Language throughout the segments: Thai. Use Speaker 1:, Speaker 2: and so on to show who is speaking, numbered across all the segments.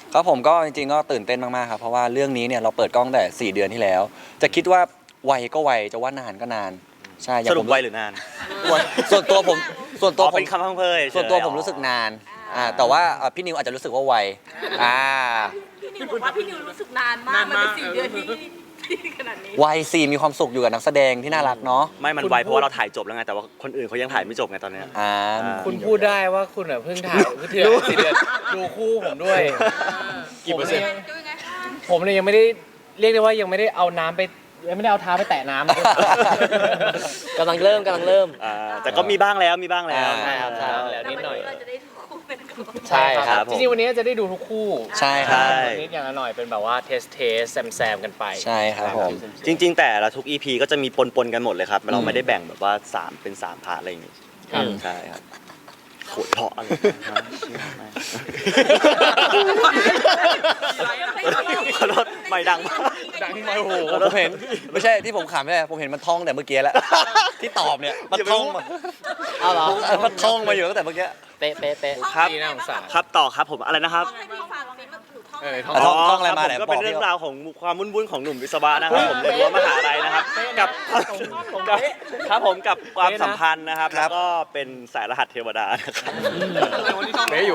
Speaker 1: ครับผมก็จริงๆก็ตื่นเต้นมากๆครับเพราะว่าเรื่องนี้เนี่ยเราเปิดกล้องแต่4 เดือนที่แล้ว จะคิดว่าไวก็ไวจะว่านานก็นานใช่
Speaker 2: สรุปไวหรือนาน
Speaker 1: ส่วนตัวผม
Speaker 2: เป็นคำพังเพย
Speaker 1: ส่วนตัวผมรู้สึกนานแต่ว่าพี่นิวอาจจะรู้สึกว่าไว
Speaker 3: พี่นิวบอกว่าพี่นิวรู้สึกนานมากมันเป็น4 เดือนที่ขนาดนี้
Speaker 1: ไวสี่มีความสุขอยู่กับนักแสดงที่น่ารักเนาะ
Speaker 2: ไม่มันไวเพราะว่าเราถ่ายจบแล้วไงแต่ว่าคนอื่นเขายังถ่ายไม่จบไงตอนเนี้ย
Speaker 4: คุณพูดได้ว่าคุณเพิ่งถ่ายเพิ่ง4 เดือนดูคู่ผมด้วยกี่เปอร์เซ็นต์ผมเนี่ยยังไม่ได้เรียกได้ว่ายังไม่ได้เอาน้ำไปยังไม่ได้เอาเท้าไปแตะน้ำกำลังเริ่ม
Speaker 2: แต่ก็มีบ้างแล้ว
Speaker 4: ใช่ครับแล้วนิดหน่อย
Speaker 3: เราจะได้ทุกคู่เป็นก่อน
Speaker 4: ใช่ครับจริงๆวันนี้จะได้ดูทุกคู่
Speaker 1: ใช่ครับ
Speaker 4: นิดอย่างละหน่อยเป็นแบบว่าเทสแซมกันไป
Speaker 1: ใช่ครับผม
Speaker 2: จริงๆแต่ละทุก EP ก็จะมีปนกันหมดเลยครับเราไม่ได้แบ่งแบบว่า3เป็น3พาร์ทอะไรอย่างงี้ใช่ครับโคตรเพาะอะไรขอโทษไม่ดังมาก
Speaker 4: ดังไม่โอ้โห
Speaker 1: ผมเห็นไม่ใช่ที่ผมขำไม่ใช่ผมเห็นมันท่องแต่เมื่อกี้แล้วที่ตอบเนี่ยมันท่องมา
Speaker 4: เอาเหรอ
Speaker 1: มันท่องมาอยู่ตั้งแต่เมื่อกี้
Speaker 4: เป๊ะ
Speaker 2: ครับ
Speaker 4: น่าสงสาร
Speaker 2: ครับต่อครับผมอะไรนะครับ
Speaker 1: ท่องอะไรมาไหน
Speaker 2: ก็เป็นเรื่องราวของความวุ่นๆของหนุ่มวิศวะนะครับผมในรั้วมหาลัยนะครับกับครับผมกับความสัมพันธ์นะครับแล้วก็เป็นสายรหัสเทวดานะครับ
Speaker 4: เป๊ะอยู่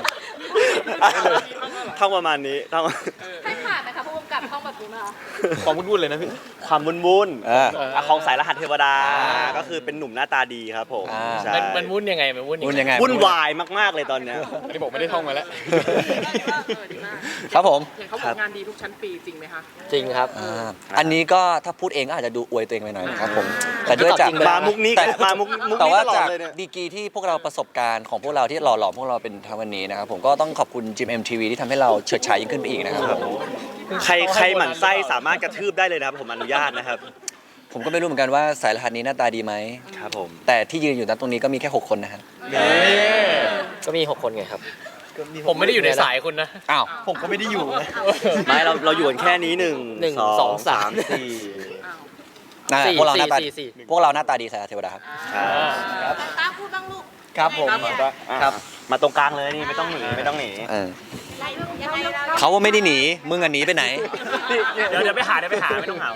Speaker 2: ท่องประมาณนี้ท่อง
Speaker 3: ให้ผ่านนะคะผู้กำกับท่องแบบนี้มา
Speaker 4: ความวุ่นๆเลยนะพี่
Speaker 2: ความวุ่นๆของสายรหัสเทวดาก็คือเป็นหนุ่มหน้าตาดีครับผม
Speaker 4: มันวุ่นยังไง
Speaker 2: วุ่นวายมากๆเลยตอนเนี้ย
Speaker 4: ไม่บอกไม่ได้ท่องมาแล้ว
Speaker 1: ครับผม
Speaker 3: เห็นเขาบอกงานดีทุกชั้นปีจริงไหมคะ
Speaker 4: จริงครับ
Speaker 1: อันนี้ก็ถ้าพูดเองก็อาจจะดูอวยตัวเองไปหน่อยนะครับผมแต่ด้วยจาก
Speaker 2: มามุกนี้มามุก
Speaker 1: แต่ว่า
Speaker 2: ตลอด
Speaker 1: จาก
Speaker 2: เลยเนี่ย
Speaker 1: ดีกรีที่พวกเราประสบการณ์ของพวกเราที่หล่อหลอมพวกเราเป็นทวันนี้นะครับผมก็ต้องขอบคุณจิม MTV ที่ทำให้เราเฉิดฉายยิ่งขึ้นไปอีกนะครับ
Speaker 2: ใครหมั่นไส้สามารถกระทืบได้เลยนะครับผมอนุญาตนะครับ
Speaker 1: ผมก็ไม่รู้เหมือนกันว่าสายรหัสนี้หน้าตาดีไหม
Speaker 2: ครับผม
Speaker 1: แต่ที่ยืนอยู่ตรงนี้ก็มีแค่6 คนนะครับ
Speaker 4: ก็มี6 คนไงครับผมไม่ได้อยู่ในสายคุณนะ
Speaker 1: อ้าว
Speaker 2: ผมก็ไม่ได้อยู่ไม่เราอยู่กันแค่นี้1 2 3 4
Speaker 1: พวกเราหน้าตาดีสายเทวดาครับ
Speaker 3: ตั้งพูดบ้างลูก
Speaker 4: ครับผม
Speaker 2: ครับมาตรงกลางเลยนี่ไม่ต้องหนี
Speaker 1: เขาว่าไม่ได้หนีมึงหนีไปไหน
Speaker 2: เดี๋ยวไปหาไม่ต้องหา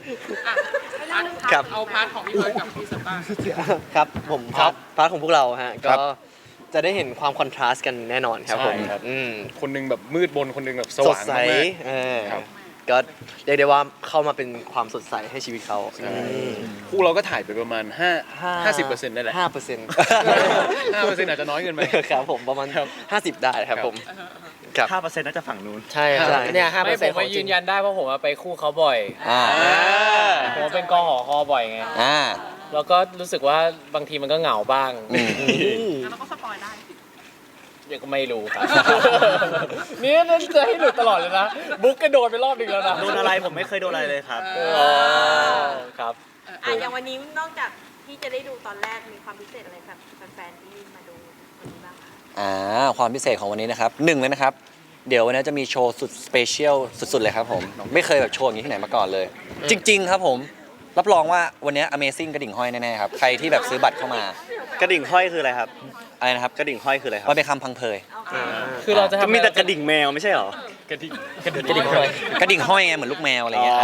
Speaker 3: ครับเอาพาร์ทของพี่บอยกับพี่สตาร์
Speaker 4: ครับผมพาร์ทของพวกเราฮะก็จะได้เห็นความคอนทราสต์กันแน่นอนครับผมคนนึงแบบมืดบนคนนึงแบบสว่างมากก็เรียกได้ว่าเข้ามาเป็นความสดใสให้ชีวิตเขาคู่เราก็ถ่ายไปประมาณ50%ได้แหละ5% 5% อาจจะน้อยเกินไปครับผมประมาณ50ได้ครับผม
Speaker 2: 5%น่าจะฝั่งนู้น
Speaker 4: ใช่เนี่ย5%ผมยืนยันได้เพราะผมไปคู่เขาบ่อยผมเป็นกหคบ่อยไงแล้วก็รู้สึกว่าบางทีมันก็เหงาบ้าง
Speaker 3: แล้วก็สปอยได้
Speaker 4: ยังก็ไม่รู้ครับนี่นั่นจะให้หลุดตลอดเลยนะบุ๊กก็โดนไปรอบนึงแล้วนะ
Speaker 2: โดนอะไรผมไม่เคยโดนอะไรเลยครับ
Speaker 4: ครับ
Speaker 3: อย่างวันนี้นอกจากที่จะได้ดูตอนแรกมีความพิเศษอะไรครับแฟนๆที่มาดูวันนี้บ้าง
Speaker 1: คะความพิเศษของวันนี้นะครับ1เลยนะครับเดี๋ยววันนี้จะมีโชว์สุดสเปเชียลสุดๆเลยครับผมไม่เคยแบบโชว์อย่างนี้ที่ไหนมาก่อนเลยจริงๆครับผมรับรองว่าวันนี้ Amazing กระดิ่งห้อยแน่ๆครับใครที่แบบซื้อบัตรเข้าม
Speaker 2: ากระดิ่งห้อยคืออะไรครับ
Speaker 1: อะไรนะครับ
Speaker 2: กระดิ่งห้อยคืออะไรครับ
Speaker 1: มันเป็นคำพังเพย
Speaker 4: คือเราจะ
Speaker 2: มีแต่กระดิ่งแมวไม่ใช่หร
Speaker 4: อกระดิ่งห้อย
Speaker 1: กระดิ่งห้อยไงเหมือนลูกแมวอะไรเงี้ย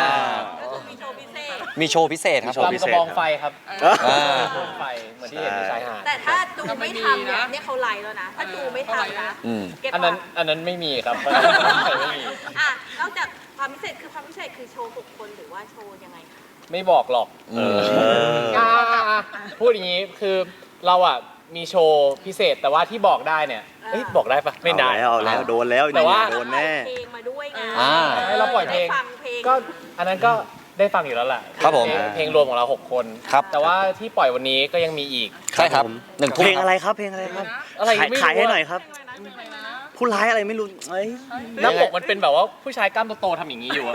Speaker 1: มีโชว์พิเศษครับ
Speaker 4: ลำกระบองไฟครับไฟเหมือนที่เห็นในชายหาด
Speaker 3: แต่ถ้าดูไม่ทำเนี่ยเขาไลฟ์แล้วนะถ้าดูไม่ทำนะ
Speaker 4: อันนั้นไม่มีครับ
Speaker 3: นอกจากความพิเศษคือโชว์6 คนหรือว่าโชว์ยังไงคะ
Speaker 4: ไม่บอกหรอกพูดอย่างนี้คือเรามีโชว์พิเศษแต่ว่าที่บอกได้เนี่ยบอกได้ปะไม่ได้
Speaker 2: เอาแล้วโดนแล้ว
Speaker 4: แต่ว่า
Speaker 2: โดนแน่
Speaker 3: เพลงมาด้วยไง
Speaker 4: ให้เราปล่อยเพลงก็อันนั้นก็ได้ฟังอยู่แล้วแหละ
Speaker 1: ครับผม
Speaker 4: เพลงรวมของเรา6 คนแต่ว่าที่ปล่อยวันนี้ก็ยังมีอีก
Speaker 1: ใช่ครับ
Speaker 2: 1 เพลงอะไรครับขายให้หน่อยครับผู้ร้ายอะไรไม่รู้
Speaker 4: หน้าปกมันเป็นแบบว่าผู้ชายกล้ามโตๆทำอย่างนี้อยู่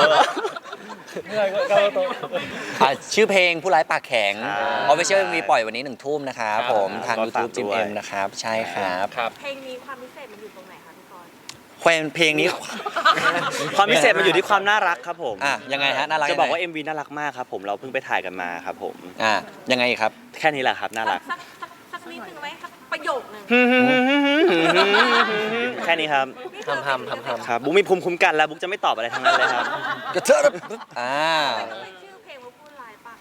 Speaker 1: ชื่อเพลงผู้ร้ายปากแข็งOfficial MV ปล่อยวันนี้1 ทุ่มนะครับผมทาง YouTube จิม M นะครับใช่ครับ
Speaker 3: เพลงนี้ความพิเศษมันอยู่ตรงไหนคะพี่กร
Speaker 1: ณ์เพลงนี้
Speaker 2: ความพิเศษมันอยู่ที่ความน่ารักครับผม
Speaker 1: ยังไงฮะน่ารัก
Speaker 2: จะบอกว่า MV น่ารักมากครับผมเราเพิ่งไปถ่ายกันมาครับผม
Speaker 1: ยังไงครับ
Speaker 2: แค่นี้แหละครับน่ารัก
Speaker 3: สักสักนิดนึงไหมสักประโยคนึง
Speaker 2: แค่นี้ครับ
Speaker 4: ทำ
Speaker 2: ครับบุ๊กมีภูมิคุ้มกันแล้วบุ๊กจะไม่ตอบอะไรทั้งนั้นเลยครับ
Speaker 1: กระเทอะอ่า
Speaker 3: ทำไมต้องเป็นชื่อเพลงว่าพูดร้ายปะ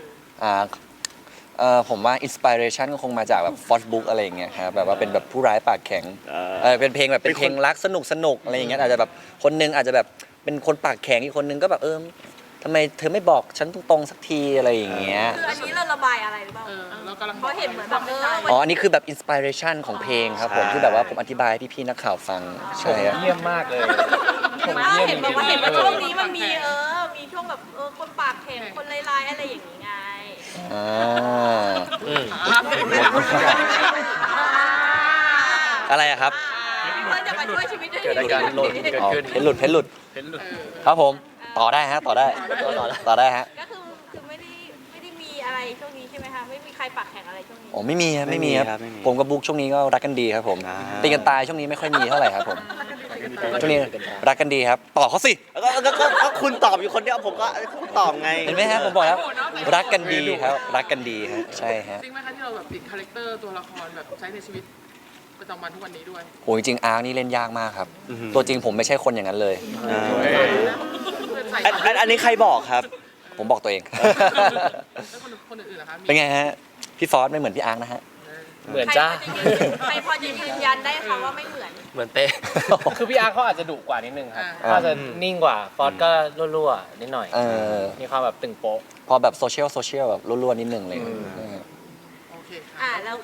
Speaker 1: ผมว่าอินสปิเรชันก็คงมาจากแบบฟอสบุ๊กอะไรอย่างเงี้ยครับแบบว่าเป็นแบบผู้ร้ายปากแข็งเป็นเพลงแบบเป็นเพลงรักสนุกอะไรอย่างเงี้ยอาจจะแบบคนนึงอาจจะแบบเป็นคนปากแข็งอีกคนนึงก็แบบทำไมเธอไม่บอกฉันตรงๆสักทีอะไรอย่างเงี้ย
Speaker 3: คืออันนี้เราระบายอะไรหรือเปล่า
Speaker 5: เรากำลัง
Speaker 3: เพราะเห็นเหมือนแบบ
Speaker 1: อ๋ออันนี้คือแบบอินสปิเรชันของเพลงครับผมที่แบบว่าผมอธิบายให้พี่ๆนักข่าวฟังใช่ครับ
Speaker 5: เยี่ยมมากเลย
Speaker 3: เห็นบอกว่าช่วงนี้มันมีมีช่วงแบบคนปากแข็งคนลายๆอะไรอย่างนี้ไง
Speaker 1: อ่าอะไรอะครับ
Speaker 3: เพื่อจะมาช่วยชีวิตด้วย
Speaker 4: เกิดอาการหล่นเกิดขึ้น
Speaker 1: เพชรหลุดครับผมต่อได้ฮะต่อได้ฮะ
Speaker 3: ก็คือไม่ได้มีอะไรช่วงนี้ใช่ไหมคะไม่มีใครปากแข็งอะไรช่วงนี้
Speaker 1: โอ้ไม่มีครับไม่มีครับ
Speaker 2: ไม่มี
Speaker 1: ผมกับบุ๊กช่วงนี้ก็รักกันดีครับผม
Speaker 2: อ่า
Speaker 1: ตีกันตายช่วงนี้ไม่ค่อยมีเท่าไหร่ครับผมช่วงนี้รักกันดีครับต่อเขาสิ
Speaker 2: ก็คุณตอบอยู่คนเดียวผมก็ตอบไง
Speaker 1: เห็นไหมฮะผมบอกแล้วรักกันดีครับรักกันดีฮะใช่ฮะ
Speaker 5: จริงไหมคะที่เราแบบติดคาแรคเตอร์ตัวละครแบบใช้ในชีวิตประจำวันทุกวันนี้ด้วย
Speaker 1: โอ้จริงๆอาร์คนี่เล่นยากมากครับ
Speaker 2: อือหือ
Speaker 1: ตัวจริงผมไม่ใช่คนอย่างนั้นเลย
Speaker 2: อันนี้ใครบอกครับ
Speaker 1: ผมบอกตัวเอง
Speaker 5: แล้วคนอื่นๆล่ะคะมี
Speaker 1: เป็นไงฮะพี่ฟอสไม่เหมือนพี่อาร์คนะฮะ
Speaker 4: เหมือนจ้า
Speaker 3: ใครพอจะยืนยันได้คะว่าไม่เหมือน
Speaker 4: เหมือนเป๊ะ
Speaker 6: คือพี่อาร์เขาอาจจะดุกว่านิดนึงครับ
Speaker 5: อ่า
Speaker 6: เขาอาจจะนิ่งกว่า ฟอสก็รั่วๆนิดหน่อย
Speaker 1: เออ
Speaker 6: มีความแบบตึงโป๊ะ
Speaker 1: พอแบบโซเชียลแบบรั่วๆนิดนึงเลย
Speaker 5: โอเค
Speaker 3: แล้ว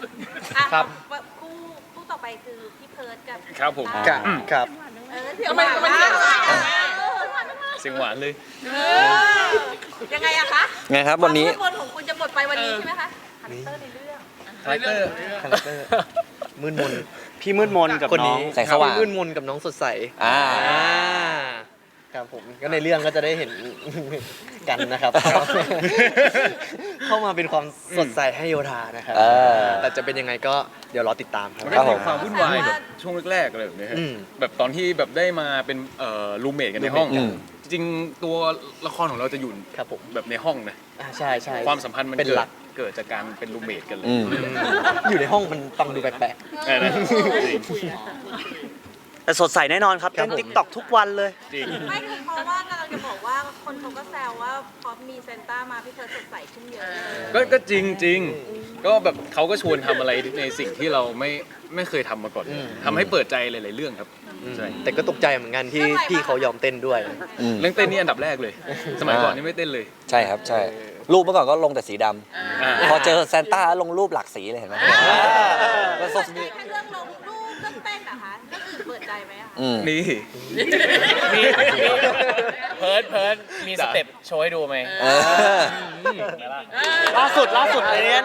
Speaker 3: คู่ต่อไปคือพี่เพิร์ดกับ
Speaker 6: ครับผม
Speaker 4: ครับ
Speaker 3: เสียงหวานมาก
Speaker 6: เสียงหวานเลย
Speaker 3: ยังไงอะคะ
Speaker 1: ไงครับวันนี้
Speaker 3: ความมืดมนของคุณจะหมดไปวันนี้ใช่ไหมคะฮันเตอร์ในเรื่อง
Speaker 6: คาแรคเตอร์
Speaker 4: คาแรคเตอร์มืดมน
Speaker 2: พี่มืดมนกับ
Speaker 4: คน
Speaker 2: น้อ
Speaker 4: นี้
Speaker 2: ง
Speaker 1: แสงสว่าง
Speaker 4: มืดมนกับน้องสดใส
Speaker 1: อ่า
Speaker 4: ครับผมก็ในเรื่องก็จะได้เห็น กันนะครับ เข้ามาเป็นความสดใสให้โยธานะครับ
Speaker 1: เออ
Speaker 4: แต่จะเป็นยังไงก็เดี๋ยวรอติดตามครับ
Speaker 1: ครั
Speaker 7: ก็
Speaker 1: บผ
Speaker 7: มี
Speaker 1: ม
Speaker 7: ความวุ่นวายแบบช่วงแรกๆอะไรแบบนี้ฮะ
Speaker 4: อืม
Speaker 7: แบบตอนที่แบบได้มาเป็นรูมเมทกันในห้อง
Speaker 1: อืม
Speaker 7: จริงๆตัวละครของเราจะอยู่
Speaker 4: ครับผม
Speaker 7: แบบในห้องนะ
Speaker 4: ใช่ใช่
Speaker 7: ความสัมพันธ์มัน
Speaker 4: เป็นหลัก
Speaker 7: เกิดจากการเป็นรูมเมทกันเลย
Speaker 1: อืม
Speaker 4: อยู่ในห้องมันฟังดูแปลก
Speaker 7: ใช่ไหมจริง
Speaker 2: แต่สดใสแน่นอนครับ
Speaker 4: ครับ
Speaker 2: เล่น
Speaker 4: ผม
Speaker 2: ติ๊กต็อกทุกวันเลย
Speaker 7: จริง
Speaker 3: ไม่คือเพราะว่ากำลังจะบอกว่าคนเขาก็แซวว่าพอมีเซนต้ามาพี่เพิร์ดสดใสขึ้นเยอะเลย
Speaker 7: ก็จริงจริงก็แบบเขาก็ชวนทำอะไรในสิ่งที่เราไม่เคยทำมาก่อนเลยทำให้เปิดใจหลายๆเรื่องครับใช่
Speaker 4: แต่ก็ตกใจเหมือนกันที่พี่เขายอมเต้นด้วย
Speaker 1: อืม
Speaker 7: เรื่องเต้นนี่อันดับแรกเลย สมัยก่อนนี่ไม่เต้นเลย
Speaker 1: ใช่ครับใช่ รูปเมื่อก่อนก็ลงแต่สีด
Speaker 7: อ่า
Speaker 1: ำพอเจอซานต้าลงรูปหลากสีเลยเห็นไหม
Speaker 3: เปิดใจแค่เรื่องลงรูปเรื่องเต้นนะคะเรื่องอื่นเปิดใจไหมอะ
Speaker 1: อืม
Speaker 7: นี่
Speaker 6: มีเพิร์ดมีสเต็ปโชว์ให้ดูไหม
Speaker 1: เออ
Speaker 4: ล่าสุดเลยเนี่ย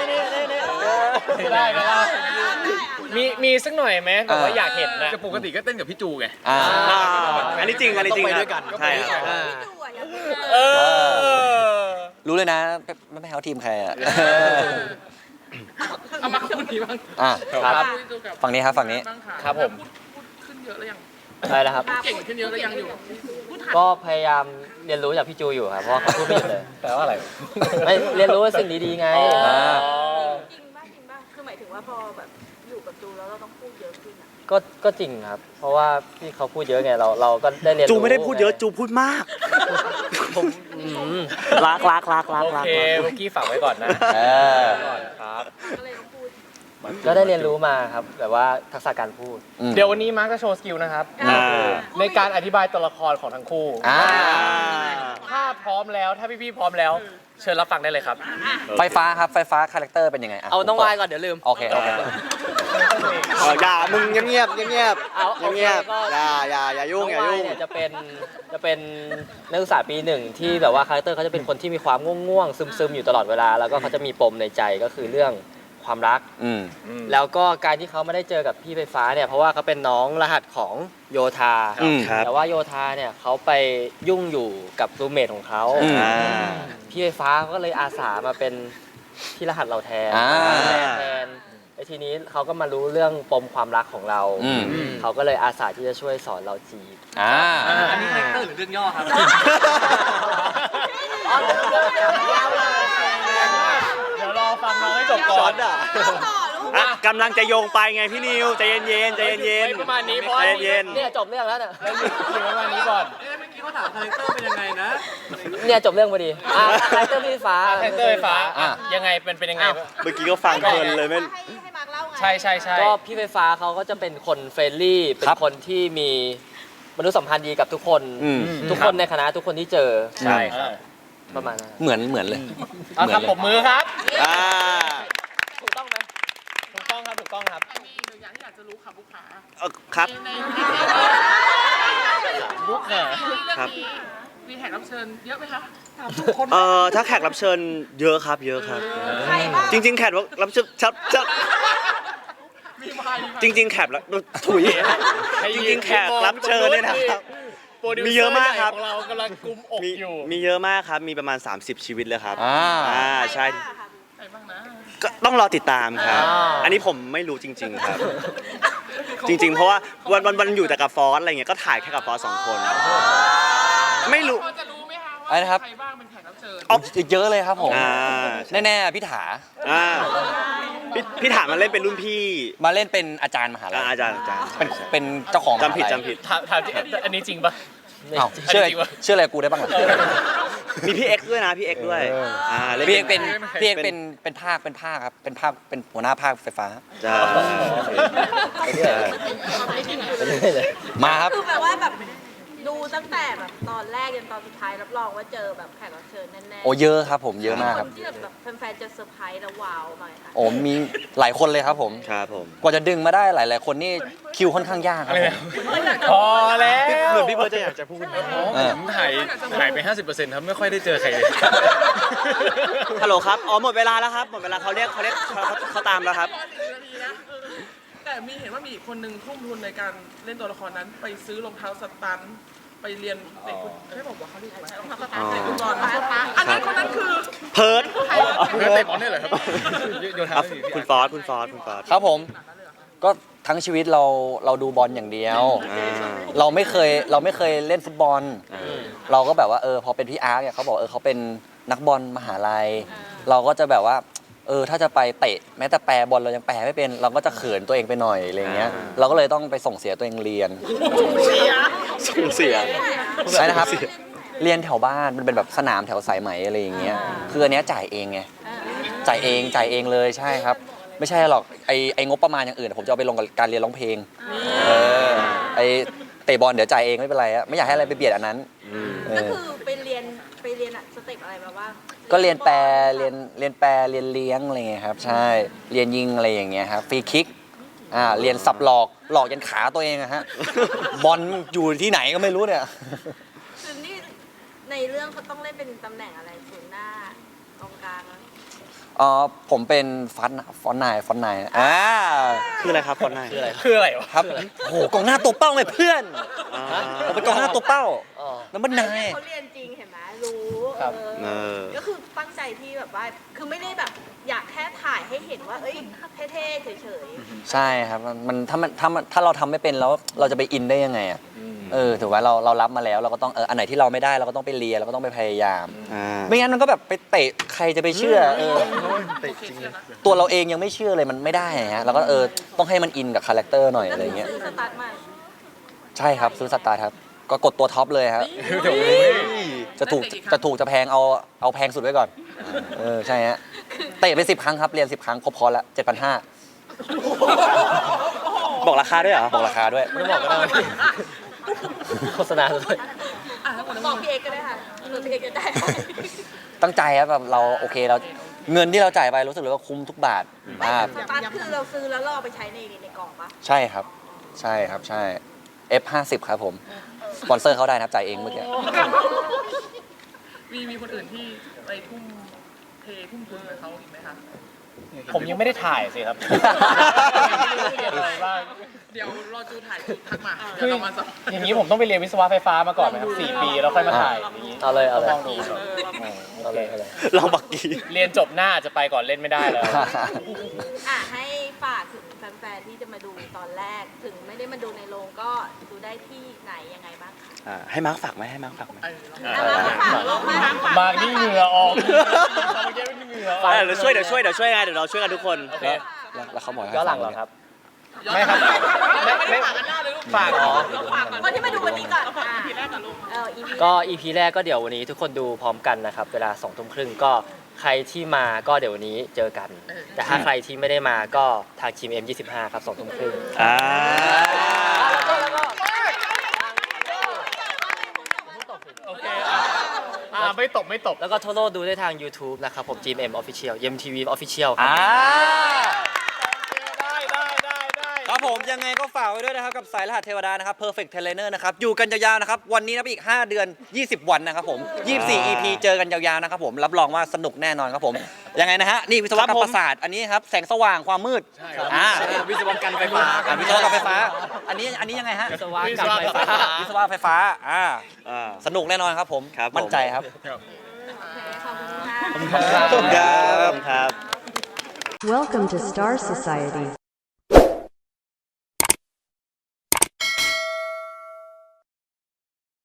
Speaker 6: ได้ไหมล่ะมีสักหน่อยไหมแบบว่าอยากเห็นนะ
Speaker 7: จะปกติก็เต้นกับพี่จูไง
Speaker 1: อ่า
Speaker 2: อันนี้จริง อันนี้จริง
Speaker 4: ต้องไป
Speaker 2: ค
Speaker 4: ด้
Speaker 2: รั
Speaker 4: วยกัน
Speaker 2: ใช่ครับ
Speaker 3: พี่ดูอะยังไม่เจ
Speaker 6: เอ
Speaker 3: อ
Speaker 6: อ
Speaker 1: รู้เลยนะไม่เอาทีมใครอ่ะ
Speaker 5: เอามาคุณนี้บ้าง
Speaker 1: อ่ะ
Speaker 6: ครับ
Speaker 5: คุยดูกับ
Speaker 1: ฝั่งนี้ครับฝั่งนี้
Speaker 5: บ้างะ
Speaker 6: ครับผม
Speaker 5: พูดขึ้นเยอะแล้วยัง
Speaker 8: ใช่แล้วครับ
Speaker 5: เก่งขึ้นเยอะแล้วยังอยู่พูดทัน
Speaker 8: ก็พยายามเรียนรู้จากพี่จูอยู่ครับ เพราะว่าเขาพูดไม่หยุดเลย
Speaker 6: แปลว่าอะไร
Speaker 8: ไม่เรียนรู้สิ่งดีๆไง
Speaker 1: อ่า
Speaker 3: จริงป่ะคือหมายถึงว่าพอแบบอยู่กับจูแล้วเราต้องพูดเยอะขึ้นอะ
Speaker 8: ก็จริงครับ เพราะว่าพี่เขาพูดเยอะไง เราก็ได้เรียนรู้
Speaker 2: จูไม่ได้พูดเยอะ จูพูดมาก
Speaker 8: ผม
Speaker 2: รัก
Speaker 6: โอเคเมื่อกี้ฝากไว้ก่อนนะ
Speaker 1: เออ
Speaker 6: ก่อนครับ
Speaker 3: ก็เลยต้องพูด
Speaker 8: ก็ได้เรียนรู้มาครับแบบว่าทักษะการพูด
Speaker 1: อืม
Speaker 6: เดี๋ยววันนี้มาร์คจะโชว์สกิลนะครับ
Speaker 2: อ่า
Speaker 6: ในการอธิบายตัวละครของทั้งคู่
Speaker 1: อ่า
Speaker 6: ถ้าพร้อมแล้วถ้าพี่ๆพร้อมแล้ว เชิญรับฟังได้เลยครับ
Speaker 1: ไฟฟ้าครับไฟฟ้าคาแรคเตอร์เป็นยังไงะ
Speaker 8: เอาน้องวายก่อนเดี๋ยวลืม
Speaker 1: โอเค
Speaker 2: อย่า มึงเงียบ
Speaker 8: เอาโอเค
Speaker 2: เงียบ
Speaker 8: ก็
Speaker 2: อย่ายุ่ง
Speaker 8: น้องวายเนี่ยจะเป็นนักศึกษาปีหนึ่งที่แบบว่าคาแรคเตอร์เขาจะเป็นคนที่มีความง่วงๆซึมๆอยู่ตลอดเวลาแล้วก็เขาจะมีปมในใจก็คือเรื่องความรัก
Speaker 1: อืม
Speaker 8: แล้วก็การที่เขาไม่ได้เจอกับพี่ไฟฟ้าเนี่ยเพราะว่าเขาเป็นน้องรหัสของโยธา
Speaker 2: อืมครับ
Speaker 8: แต่ว่าโยธาเนี่ยเขาไปยุ่งอยู่กับรูมเมทของเขา
Speaker 2: อ่า
Speaker 8: พี่ไฟฟ้าก็เลยอาสามาเป็นพี่รหัสเราแทน
Speaker 1: อ่า
Speaker 8: แทนแล้วทีนี้เขาก็มารู้เรื่องปมความรักของเรา
Speaker 1: อืม
Speaker 8: เขาก็เลยอาสาที่จะช่วยสอนเราจีบ
Speaker 1: อ่า
Speaker 8: อันนี้คาแรคเตอร์หรือเรื่องย่อครับ
Speaker 6: เดี๋ยวรอฟังน้องให้จบก่อน
Speaker 3: ต่อลูก
Speaker 2: อ่ะกำลังจะโยงไปไงพี่นิวใจเย็นๆใจเย็น
Speaker 6: ประมาณนี้เพราะ
Speaker 2: ใจเย็น
Speaker 8: เนี่ยจบเรื่องแล้วเนี่ย
Speaker 6: อยู่ประมาณนี้ก่อน
Speaker 5: เมื่อกี้เขาถามคาแรคเตอร์เป็นยังไงนะ
Speaker 8: เนี่ยจบเรื่องพอดีคาแรคเตอร์พี่ฟ้า
Speaker 6: คาแรคเตอร์ไฟฟ้า
Speaker 1: อ่ะ
Speaker 6: ยังไงเป็นยังไงบ้าง
Speaker 2: เมื่อกี้ก็ฟังเพลินเลยไม่
Speaker 3: ให้มาร์คเล่าไง
Speaker 6: ใช่ใช่ใช่
Speaker 8: ก็พี่ไฟฟ้าเขาก็จะเป็นคนเฟรนลี่ เป็นคนที่มีมนุษยสัมพันธ์ดีกับทุกคน
Speaker 1: อืม
Speaker 8: ทุกคนในคณะทุกคนที่เจอ
Speaker 1: ใช่ครับ
Speaker 8: ประมาณนั้น
Speaker 1: เหมือนเลย
Speaker 6: เอาครับผมมือครับ
Speaker 2: อ่า
Speaker 8: ถูกต้องไหม
Speaker 6: ถูกต้องครับถูกต้องครับ
Speaker 5: มีอีกหนึ่งอย่างที่อยากจะรู้ค่ะบุคคา
Speaker 2: ครับ
Speaker 5: ใน
Speaker 6: บุกเนี่ย
Speaker 5: เรื่อง
Speaker 2: ครับ
Speaker 5: นี้มีแขกรับเชิญเยอะไหมคะ
Speaker 2: ถ้าแขกรับเชิญเยอะครับเยอะครับ
Speaker 3: ใครบ้าง
Speaker 2: จริง ๆ แขกรับเชิญ
Speaker 5: มีมามีมา
Speaker 2: จริง ๆ แขกรับถุยจริง ๆ แขกรับเชิญเนี่ยนะครับ
Speaker 6: โปรดิว
Speaker 2: มี
Speaker 6: เซ
Speaker 2: เยอะมากครับ
Speaker 6: ของเรากำลังกุมอก
Speaker 2: มี
Speaker 6: อยู่
Speaker 2: มีเยอะมากครับ มีประมาณ 30 ชีวิตเลยครับ
Speaker 1: อ่า
Speaker 2: ใช่
Speaker 5: ใครบ้างนะ
Speaker 2: ก็ต้องรอติดตามครับ อันนี้ผมไม่รู้จริง ๆ ครับ จริง ๆ เพราะว่าวันอยู่แต่กับฟอสอะไรเงี้ย ก็ถ่ายแค่กับฟอส2 คน ไม่รู้
Speaker 5: พอจะรู้ไหมคะ
Speaker 1: อะไรนะครับ
Speaker 5: ใครบ้างเป็นแขกรับเชิญ
Speaker 1: เยอะเลยครับผม
Speaker 2: อ่า
Speaker 1: แน่ๆพี่ถา
Speaker 2: อ่าพี่ถามมาเล่นเป็นรุ่นพี่
Speaker 1: มาเล่นเป็นอาจารย์มหาลัย
Speaker 2: อาจารย์
Speaker 1: เป็นเจ้าของมหาลัย
Speaker 2: จำผิด
Speaker 6: ถามที่อันนี้จริงปะ
Speaker 1: อ้าวเชื่ออะไร
Speaker 6: จริงปะ
Speaker 1: เชื่ออะไรกูได้บ้างล่ะ
Speaker 2: มีพี่เอ็กซ์ด้วยนะพี่เอ็กซ์ด้วยล่
Speaker 1: พี่เอกเป็นพี่เอกเป็นภาคครับเป็นภาคเป็นหัวหน้าภาคไฟฟ้า
Speaker 2: จ้า
Speaker 1: มาครับ
Speaker 3: คือแปลว่าแบบดูตั้งแต่แบบตอนแรกจนตอนสุดท้ายรับรองว่าเจอแบบแขกรับเชิญแน่ๆ
Speaker 1: โอ้เยอะครับผมเยอะมาก
Speaker 3: ค
Speaker 1: ครับ
Speaker 3: นที่แบบแฟนๆจะเซอร์ไพรส์แล้วว้าวหน่อยค่ะ
Speaker 1: โอ้มีหลายคนเลยครับผม
Speaker 2: ครับผม
Speaker 1: กว่าจะดึงมาได้หลายๆคนนี่คิวค่อนข้างยากครับผม
Speaker 6: พอแล้ว
Speaker 2: เหมือนพี่เบิร์ดจะอยากจะพูด
Speaker 6: ผมถ่ายไป 50%ครับไม่ค่อยได้เจอใครเลย
Speaker 2: ฮัลโหลครับ อ๋อหมดเวลาแล้วครับ หมดเวลาเขาเรียกเขาตามแล้วครับ
Speaker 5: แต่มีเห็นว่ามีอีกคนนึงทุ่มทุนในการเล่นตัวละครนั้น ไปซื้อรองเท้าสตันท์ไปเรียนเด็กคุณไม่บอกว่าเขาเรียกอะไรรองเท้าสตันท์เด็กคุณบอลอันนั้นคนนั้นคือ
Speaker 2: เพิร์ด
Speaker 6: เตะบอลได้เหรอครับโยนเท้าสิ
Speaker 2: คุณฟอส
Speaker 1: ครับผมก็ทั้งชีวิตเราดูบอลอย่างเดียว เราไม่เคยเล่นฟุตบอล เราก็แบบว่าพอเป็นพี่อาร์ตเนี่ยเขาบอกเขาเป็นนักบอลมหาลัย เราก็จะแบบว่าถ้าจะไปเตะแม้แต่แปรบอลเรายังแปรไม่เป็นเราก็จะเขินตัวเองไปหน่อยอะไรเงี้ยเราก็เลยต้องไปส่งเสียตัวเองเรียน
Speaker 2: ส่งเสีย
Speaker 1: ใช่นะครับเรียนแถวบ้านมันเป็นแบบสนามแถวสายไหมอะไรอย่างเงี้ยคืออันเนี้ยจ่ายเองไงจ่ายเองเลยใช่ครับ ไม่ใช่หรอกไองบประมาณอย่างอื่นผมจะเอาไปลงกับการเรียนร้องเพลงไอเตะบอลเดี๋ยวจ่ายเองไม่เป็นไรอะไม่อยากให้อะไรไปเบียดอันนั้นเอ
Speaker 3: ก็
Speaker 1: อ
Speaker 3: คือไปเรียนอะสเต็ปอะไรมาบ้าง
Speaker 1: ก็เรียนแปรเรียนเลี้ยงอะไรเงี้ยครับใช่เรียนยิงอะไรอย่างเงี้ยครับฟรีคิกเรียนสับหลอกยันขาตัวเองอะฮะบอลอยู่ที่ไหนก็ไม่รู้เนี่ย
Speaker 3: คือนี่ในเรื่องเขาต้องเล่นเป็นตำแหน่งอะไรศูนย์หน้ากองกลางอะ
Speaker 1: ผมเป็นฟอนต์นาย
Speaker 2: คืออะไรครับคนไหน
Speaker 6: คืออะไรวะ
Speaker 1: ครับโหกองหน้าตัวเป้าไงเพื่อนผมเป็นกองหน้าตัวเป้า
Speaker 8: อ๋อ
Speaker 1: น้ำมันนาย
Speaker 3: เขาเรียนจริงเห็นไหมรู้
Speaker 2: เออ
Speaker 3: ก็คือตั้งใจที่แบบว่าคือไม่ได้แบบอยากแค่ถ่ายให้เห็นว่าเอ้ยเท่ๆเฉย
Speaker 1: ใช่ครับมันถ้าเราทำไม่เป็นแล้วเราจะไปอินได้ยังไงอ่ะถือว่าเรารับมาแล้วเราก็ต้องอันไหนที่เราไม่ได้เราก็ต้องไปเรียนเราก็ต้องไปพยายาม ไม่งั้นมันก็แบบไปเตะใครจะไปเชื่อตัวเราเองยังไม่เชื่อเลยมันไม่ได้ฮะเราก็ต้องให้มันอินกับคาแรคเตอร์หน่อย
Speaker 3: ๆก็
Speaker 1: อะไร
Speaker 3: คือ
Speaker 1: เงี้ย
Speaker 3: ซื้อสตาร์ทมา
Speaker 1: ใช่ครับซื้อสตาร์ทครับก็กดตัวท็อปเลยครับจะถูกจะแพงเอาแพงสุดไว้ก่อนใช่ฮะเตะไป10 ครั้งครับเรียน10 ครั้งครบพอละ 7,500
Speaker 2: บอกราคาด้วยเหรอ
Speaker 1: บอกราคาด้วย
Speaker 8: ไม่บอกก็ได้โฆษณาด้วย
Speaker 3: บอกพี่เอกก็ได้ค่ะหรือพี่เอกจะได้
Speaker 1: ตั้งใจครับแบบเราโอเคเราเงินที่เราจ่ายไปรู้สึกเลยว่าคุ้มทุกบาท
Speaker 3: สตาร์ทคือเราซื้อแล้วเราเอาไปใช้ในกล่องปะ
Speaker 1: ใช่ครับใช่ครับใช่ F50 ครับผมสปอนเซอร์เขาได้นะครับจ่ายเองเมื่อกี้
Speaker 5: มีคนอื่นที่ไปทุ่มทุนกับเขาอีกไหมคะ
Speaker 6: ผมยังไม่ได้ถ่ายสิครับเรียนอะไรบ้าง
Speaker 5: เดี๋ยวรอจูถ่ายจูทักมาเดี๋ยวเรามาสัม
Speaker 6: อย่างนี้ผมต้องไปเรียนวิศวะไฟฟ้ามาก่อนไหมครับ4 ปีแล้วค่อยมาถ่ายอย่างนี้
Speaker 8: เอาเลย
Speaker 6: ลองดู
Speaker 8: เอาเลย
Speaker 2: เราบักกี้
Speaker 6: เรียนจบหน้าจะไปก่อนเล่นไม่ได้แล้ว
Speaker 3: ให้ฝากถึงแฟนๆที่จะมาดูตอนแรกถึงไม่ได้มามาดูในโรงก็ดูได้ที่ไหนยังไงบ้างคะ
Speaker 2: ให้มาร์คฝากไหมให้มาร์คฝากไหม
Speaker 3: มาฝากโลกมาฝาก
Speaker 6: บางนี่เหงื่อออกเมื่อกี้ไม่เหงื่อออก
Speaker 2: เดี๋ยวช่วยไงเดี๋ยวเราช่วยกันทุกคน
Speaker 1: แล้วเขาบอกให้
Speaker 8: ย้อนหลังเหรอครับ
Speaker 6: ไม่ครับไม่ฝากอ๋อ
Speaker 3: คนที่มาดูวันนี้ก่อนค่ะ
Speaker 5: ทีแรกกับลูก
Speaker 3: EP
Speaker 8: ก็ EP แรกก็เดี๋ยววันนี้ทุกคนดูพร้อมกันนะครับ เวลา2 ทุ่มครึ่งก็ใครที่มาก็เดี๋ยววันนี้เจอกัน แต่ถ้าใครที่ไม่ได้มาก็ทางทีม M25 ครับ2 ทุ่มครึ่ง
Speaker 6: โอเคไม่ตบ
Speaker 8: แล้วก็ทั่วโลกดูได้ทาง YouTube นะครับผม GMM Official MTV Official ครับ
Speaker 1: ครับผมยังไงก็ฝากไว้ด้วยนะครับกับสายรหัสเทวดานะครับ Perfect Trainer นะครับอยู่กันยาวๆนะครับวันนี้นับอีก5 เดือน 20 วันนะครับผม24 EP เจอกันยาวๆนะครับผมรับรองว่าสนุกแน่นอนครับผมยังไงนะฮะนี่วิศวกรรมประสาทอันนี้ครับแสงสว่างความมืด
Speaker 4: วิศวกรรมไฟฟ้า
Speaker 1: วิศวกรรมไฟฟ้าอันนี้ยังไงฮะ
Speaker 8: วิศวกรรมไฟฟ้า
Speaker 1: วิศวะไฟฟ้าสนุกแน่นอนครับผม
Speaker 2: ครับผม
Speaker 1: มั่นใจครับ
Speaker 3: ขอบคุณค่ะ
Speaker 2: ครับ
Speaker 9: Welcome to Star Society.